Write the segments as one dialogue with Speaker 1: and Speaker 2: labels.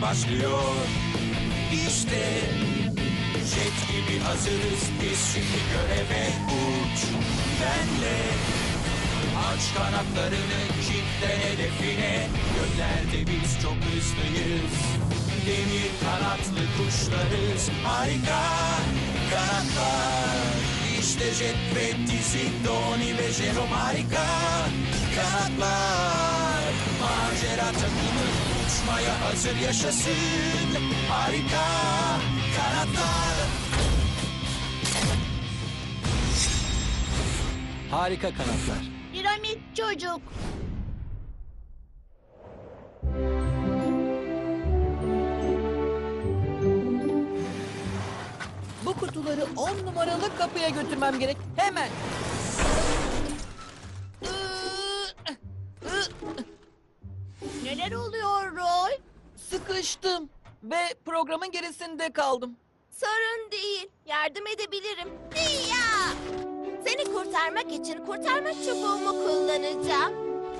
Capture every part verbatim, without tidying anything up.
Speaker 1: başlıyor. İşte jet gibi hazırız biz şimdi göreve uç benle. Aç kanatlarını kitle hedefine, göklerde biz çok hızlıyız. Demir kanatlı kuşlarız, harika kanatlar. İşte jet ve dizi, Donnie ve Jerome harika kanatlar. Macera takımı uçmaya hazır yaşasın, harika kanatlar.
Speaker 2: Harika kanatlar.
Speaker 3: Piramit çocuk.
Speaker 4: Bu kutuları on numaralı kapıya götürmem gerek. Hemen.
Speaker 3: Neler oluyor Roy?
Speaker 4: Sıkıştım ve programın gerisinde kaldım.
Speaker 3: Sorun değil. Yardım edebilirim. Ya! Seni kurtarmak için kurtarma çubuğumu kullanacağım.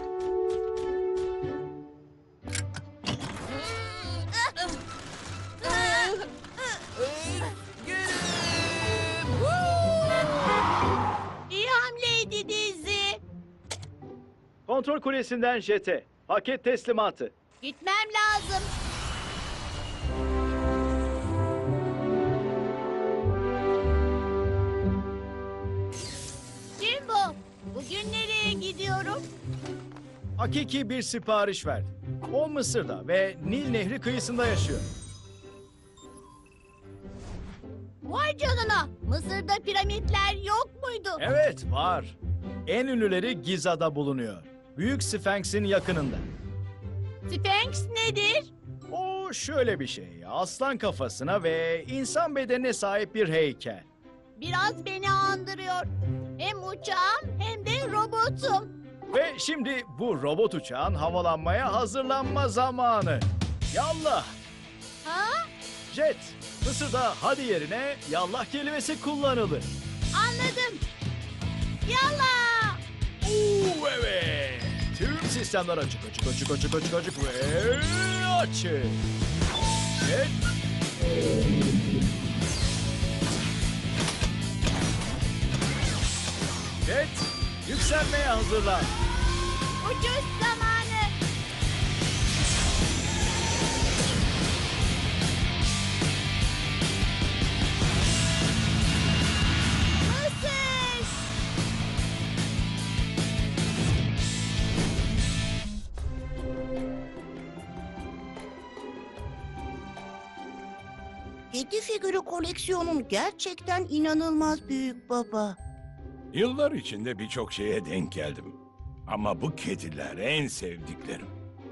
Speaker 3: İyi hamleydi Dizi.
Speaker 5: Kontrol kulesinden jete. Paket teslimatı.
Speaker 3: Gitmem lazım. Jimbo, bugün nereye gidiyorum?
Speaker 5: Hakiki bir sipariş verdi. O Mısır'da ve Nil Nehri kıyısında yaşıyor.
Speaker 3: Vay canına, Mısır'da piramitler yok muydu?
Speaker 5: Evet, var. En ünlüleri Giza'da bulunuyor. Büyük Sphinx'in yakınında.
Speaker 3: Sphinx nedir?
Speaker 5: O şöyle bir şey. Aslan kafasına ve insan bedenine sahip bir heykel.
Speaker 3: Biraz beni andırıyor. Hem uçağım hem de robotum.
Speaker 5: Ve şimdi bu robot uçağın havalanmaya hazırlanma zamanı. Yallah!
Speaker 3: Ha?
Speaker 5: Jet, Mısır'da hadi yerine yallah kelimesi kullanılır.
Speaker 3: Anladım. Yallah!
Speaker 5: Oo, evet. Tüm sistemler açık, açık, açık, açık, açık, açık ve açık. Jet. Jet, yükselmeye hazırlan.
Speaker 3: Ucuz zamanı. Mısır!
Speaker 6: Kedi figürü koleksiyonun gerçekten inanılmaz büyük baba.
Speaker 7: Yıllar içinde birçok şeye denk geldim. Ama bu kediler en sevdiklerim.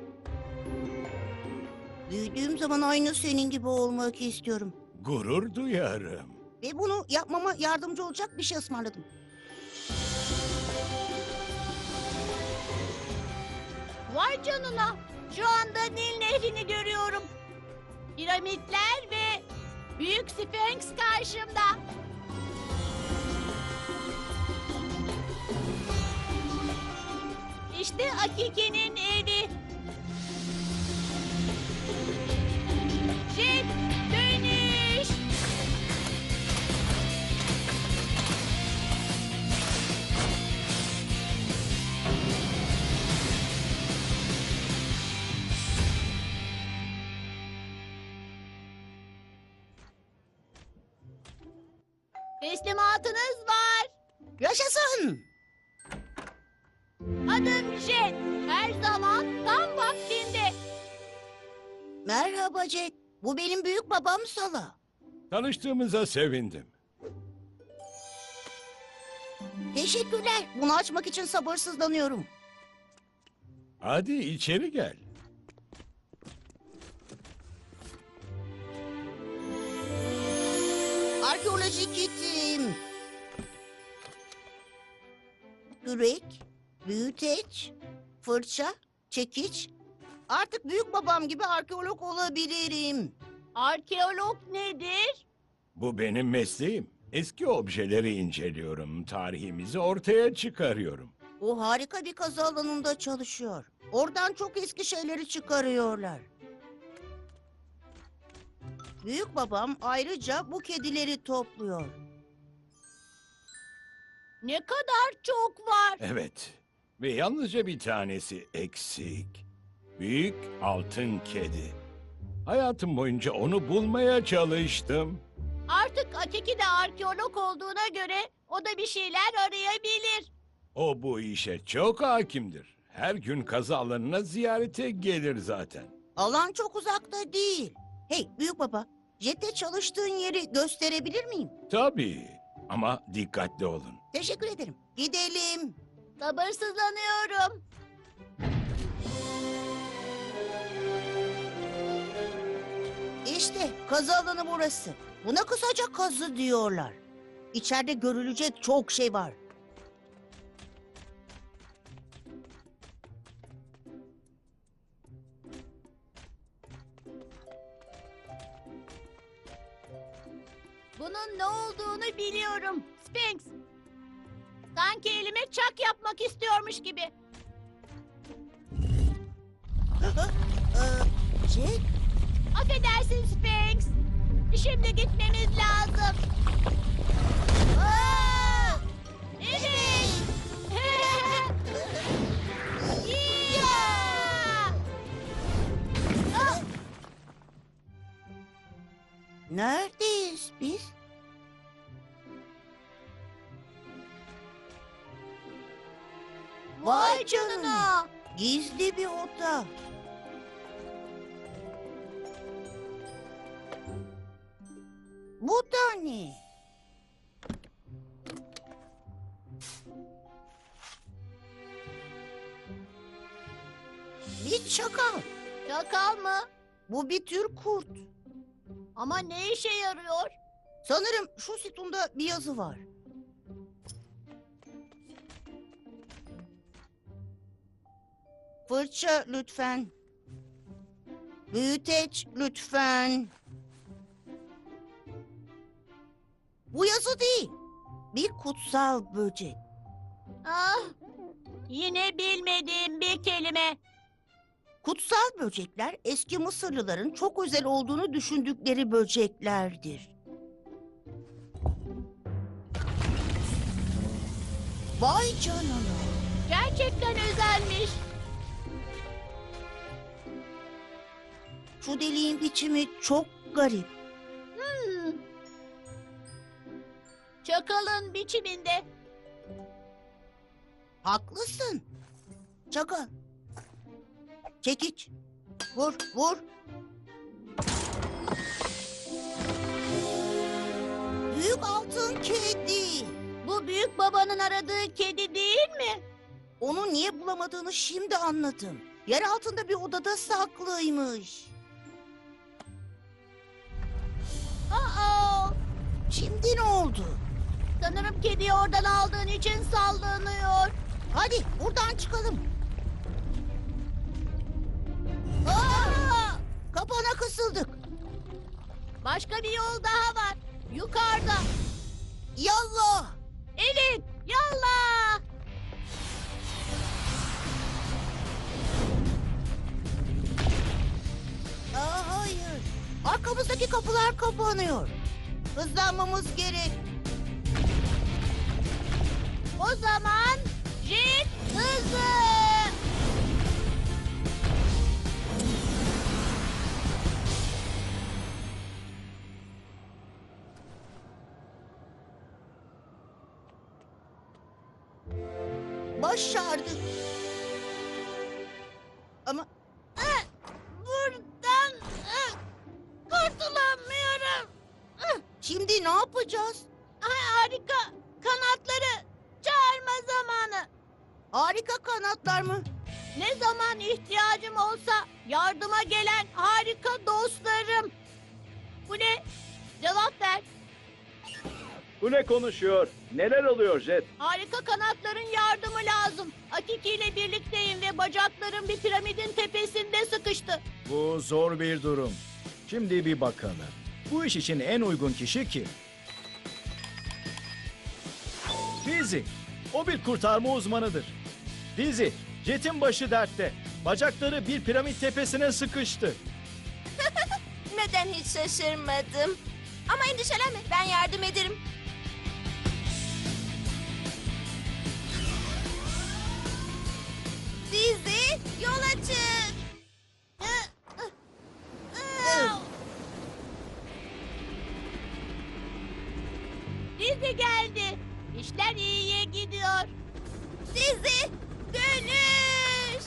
Speaker 6: Büyüdüğüm zaman aynı senin gibi olmak istiyorum.
Speaker 7: Gurur duyarım.
Speaker 6: Ve bunu yapmama yardımcı olacak bir şey ısmarladım.
Speaker 3: Vay canına. Şu anda Nil Nehri'ni görüyorum. Piramitler ve Büyük Sphinx karşımda. İşte Akike'nin evi. Jet dönüş. Teslimatınız var.
Speaker 6: Yaşasın!
Speaker 3: Adım Jet. Her zaman tam vaktinde.
Speaker 6: Merhaba Jack. Bu benim büyük babam Sala.
Speaker 7: Tanıştığımıza sevindim.
Speaker 6: Teşekkürler. Bunu açmak için sabırsızlanıyorum.
Speaker 7: Hadi içeri gel.
Speaker 6: Arkeoloji kitim. Kürek, büyüteç, fırça, çekiç. Artık büyük babam gibi arkeolog olabilirim.
Speaker 3: Arkeolog nedir?
Speaker 7: Bu benim mesleğim. Eski objeleri inceliyorum, tarihimizi ortaya çıkarıyorum.
Speaker 6: O harika bir kazı alanında çalışıyor. Oradan çok eski şeyleri çıkarıyorlar. Büyük babam ayrıca bu kedileri topluyor.
Speaker 3: Ne kadar çok var.
Speaker 7: Evet. Ve yalnızca bir tanesi eksik. Büyük altın kedi. Hayatım boyunca onu bulmaya çalıştım.
Speaker 3: Artık Atiki de arkeolog olduğuna göre o da bir şeyler arayabilir.
Speaker 7: O bu işe çok hakimdir. Her gün kazı alanına ziyarete gelir zaten.
Speaker 6: Alan çok uzakta değil. Hey büyük baba, jette çalıştığın yeri gösterebilir miyim?
Speaker 7: Tabii ama dikkatli olun.
Speaker 6: Teşekkür ederim. Gidelim.
Speaker 3: Sabırsızlanıyorum.
Speaker 6: İşte kazı alanı burası. Buna kısaca kazı diyorlar. İçeride görülecek çok şey var.
Speaker 3: Bunun ne olduğunu biliyorum. Sphinx. Sanki elime çak yapmak istiyormuş gibi.
Speaker 6: Ee, Jet,
Speaker 3: Affedersin Sphinx. Şimdi gitmemiz lazım. Aa! Evet. Ya! Ah!
Speaker 6: neredeyiz biz?
Speaker 3: Vay canına.
Speaker 6: Gizli bir oda. Bu da ne? Bir çakal.
Speaker 3: Çakal mı?
Speaker 6: Bu bir tür kurt.
Speaker 3: Ama ne işe yarıyor?
Speaker 6: Sanırım şu sütunda bir yazı var. Fırça lütfen. Büyüteç lütfen. Bu yazı değil. Bir kutsal böcek.
Speaker 3: Ah, yine bilmediğim bir kelime.
Speaker 6: Kutsal böcekler eski Mısırlıların çok özel olduğunu düşündükleri böceklerdir. Vay canına.
Speaker 3: Gerçekten özelmiş.
Speaker 6: Şu deliğin biçimi çok garip.
Speaker 3: Hmm. Çakalın biçiminde.
Speaker 6: Haklısın. Çakal. Çekiç. Vur, vur. Büyük altın kedi.
Speaker 3: Bu büyük babanın aradığı kedi değil mi?
Speaker 6: Onu niye bulamadığını şimdi anladım. Yer altında bir odada saklıymış.
Speaker 3: Aa,
Speaker 6: Şimdi ne oldu?
Speaker 3: sanırım kediyi oradan aldığın için sallanıyor.
Speaker 6: Hadi buradan çıkalım.
Speaker 3: Aa,
Speaker 6: Kapana kısıldık.
Speaker 3: başka bir yol daha var. Yukarıda.
Speaker 6: Yallah.
Speaker 3: Evet, yallah.
Speaker 6: Aa, hayır. Arkamızdaki kapılar kapanıyor. Hızlanmamız gerek.
Speaker 3: O zaman jet hızı.
Speaker 6: Başardık. Ama
Speaker 3: Ah, buradan ah, kurtulamıyorum. Ah,
Speaker 6: şimdi ne yapacağız?
Speaker 3: harika. Kanatları çağırma zamanı.
Speaker 6: Harika kanatlar mı?
Speaker 3: Ne zaman ihtiyacım olsa yardıma gelen harika dostlarım. Bu ne? Cevap ver.
Speaker 5: Bu ne konuşuyor? Neler oluyor Jet?
Speaker 3: Harika kanatların yardımı lazım. Akiki ile birlikteyim ve bacaklarım bir piramidin tepesinde sıkıştı.
Speaker 5: Bu zor bir durum. Şimdi bir bakalım. Bu iş için en uygun kişi kim? Fizi. O bir kurtarma uzmanıdır. Fizi, Jet'in başı dertte. Bacakları bir piramit tepesine sıkıştı.
Speaker 8: görmeden hiç şaşırmadım. Ama endişelenme, ben yardım ederim. Dizi, yola çık.
Speaker 3: Dizi geldi. İşler iyiye gidiyor.
Speaker 8: Dizi, dönüş.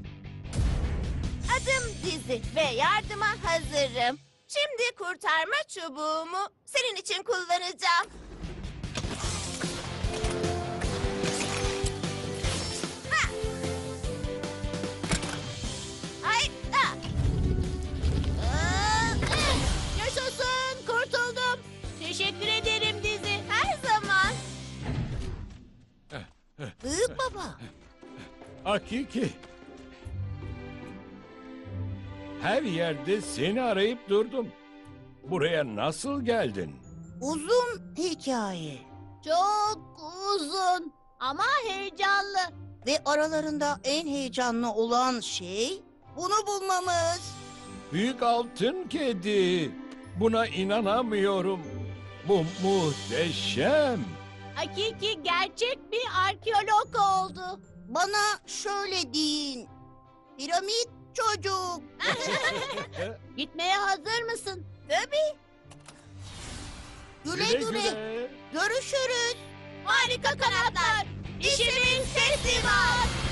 Speaker 8: Adım Dizi ve yardıma hazırım. Şimdi kurtarma çubuğumu senin için kullanacağım. Ha! Ay, ah! Aa, eh!
Speaker 3: Yaşasın, kurtuldum. Teşekkür ederim Dizi.
Speaker 8: Her zaman.
Speaker 6: Büyük baba.
Speaker 7: Hakiki. Her yerde seni arayıp durdum. Buraya nasıl geldin?
Speaker 6: Uzun hikaye.
Speaker 3: Çok uzun ama heyecanlı.
Speaker 6: Ve aralarında en heyecanlı olan şey bunu bulmamız.
Speaker 7: Büyük altın kedi. Buna inanamıyorum. Bu muhteşem.
Speaker 3: Hakiki gerçek bir arkeolog oldu.
Speaker 6: Bana şöyle deyin. Piramit çocuk.
Speaker 3: Gitmeye hazır mısın?
Speaker 6: Tabii. Güle güle. Görüşürüz.
Speaker 3: Harika kanatlar. İşimiz teslimat.